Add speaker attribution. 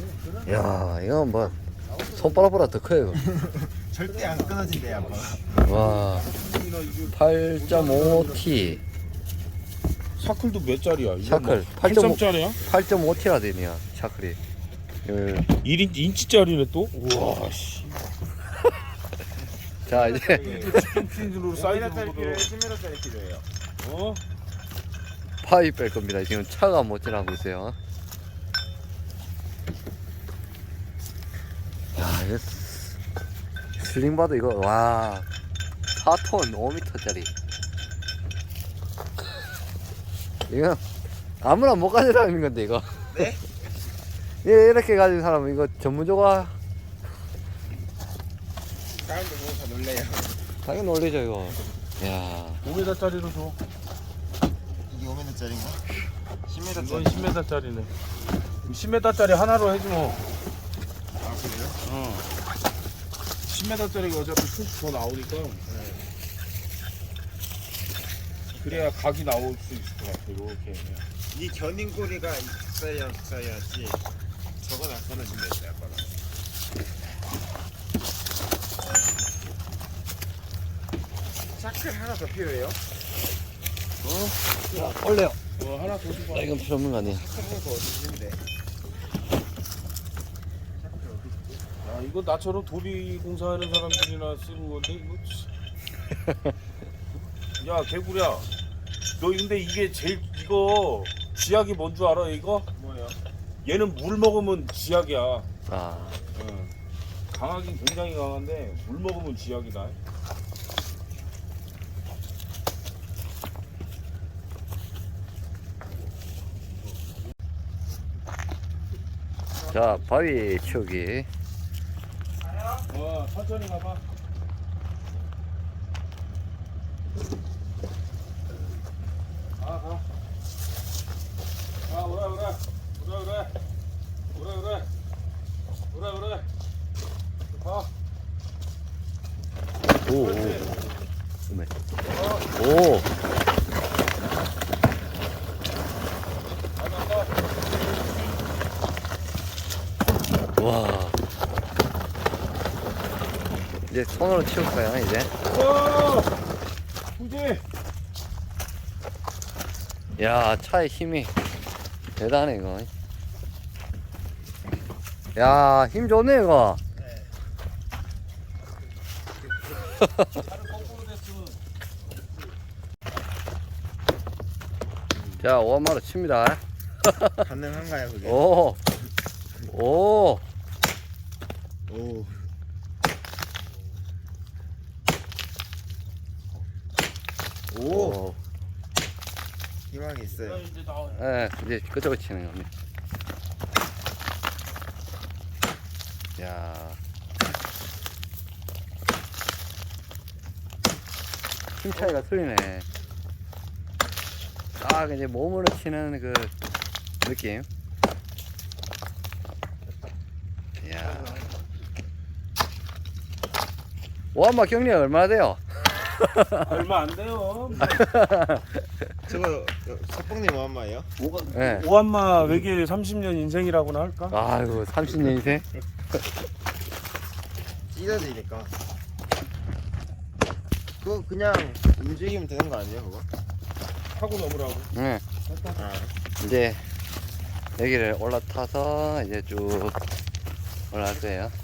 Speaker 1: 야, 이건 뭐 손바닥보다 더 커요.
Speaker 2: 절대 안 끊어진대 아빠.
Speaker 1: 와, 8.5T
Speaker 3: 샤클도 몇 짜리야?
Speaker 1: 샤클
Speaker 3: 8.5짜리야?
Speaker 1: 8.5T라 되네요. 샤클이.
Speaker 3: 1인치짜리네 또? 우와 씨.
Speaker 1: 자, 이제
Speaker 3: 핀으로 사이즈
Speaker 2: 10m짜리 필요해요.
Speaker 3: 어?
Speaker 1: 파이 뺄 겁니다. 지금 차가 못 지나고 있어요. 야, 이거 슬링바도 이거 와 4톤 5m짜리. 이거 아무나 못 가진 사람인 건데 이거.
Speaker 2: 네?
Speaker 1: 예, 이렇게 가진 사람은 이거 전문조가
Speaker 2: 사람들 보고 다 놀래요.
Speaker 1: 당연히 놀리죠 이거. 야,
Speaker 3: 5m짜리로 줘.
Speaker 2: 이게 5m짜리인가?
Speaker 3: 이건
Speaker 2: 10m짜리.
Speaker 3: 10m짜리네. 10m짜리 하나로 해줘.
Speaker 2: 아 그래요?
Speaker 3: 어. 10m짜리가 어차피 더 나오니까. 그래야 각이 나올 수 있을 것 같아. 이렇게.
Speaker 2: 이 견인고리가 있어야지. 저건 안 끊어진다 했어요 아빠가. 샤클 하나 더 필요해요?
Speaker 1: 올려요.
Speaker 3: 하나 더 줘봐.
Speaker 1: 이건 필요 없는 거 아니에요.
Speaker 2: 샤클 하나 더 어디 있는데?
Speaker 3: 야, 이거 나처럼 도비 공사하는 사람들이나 쓰는 건데 이거. 야 개구리야, 너 근데 이게 제일 이거 쥐약이 뭔 줄 알아 이거?
Speaker 2: 뭐예요?
Speaker 3: 얘는 물 먹으면 쥐약이야.
Speaker 1: 아,
Speaker 3: 응. 강하긴 굉장히 강한데 물 먹으면 쥐약이다.
Speaker 1: 자 바위 치우기.
Speaker 3: 천천히 가봐. 가. 그래. 가.
Speaker 1: 오, 오메. 오, 와. 이제 손으로 치울까요 이제?
Speaker 3: 후지.
Speaker 1: 야, 차의 힘이 대단해 이거. 야, 힘 좋네 이거. 자, 5만원 칩니다.
Speaker 2: 가능한가요 그게?
Speaker 1: 오, 오,
Speaker 2: 오.
Speaker 1: 오.
Speaker 2: 희망이 있어요.
Speaker 1: 예, 이제 그쪽으로 치는 겁니다. 야, 힘 차이가 틀리네. 딱 이제 몸으로 치는 그 느낌. 야, 오한마 경리 얼마나 돼요?
Speaker 3: 얼마 안 돼요.
Speaker 2: 저거 석봉님 엄마예요?
Speaker 1: 예.
Speaker 3: 오한마 외계 30년 인생이라고나 할까?
Speaker 1: 아이고, 30년 인생?
Speaker 2: 찢어지니까. 그거 그냥 움직이면 되는 거 아니에요 그거?
Speaker 3: 하고 넘으라고.
Speaker 1: 예.
Speaker 2: 아.
Speaker 1: 이제 여기를 올라타서 이제 쭉 올라갈 거예요.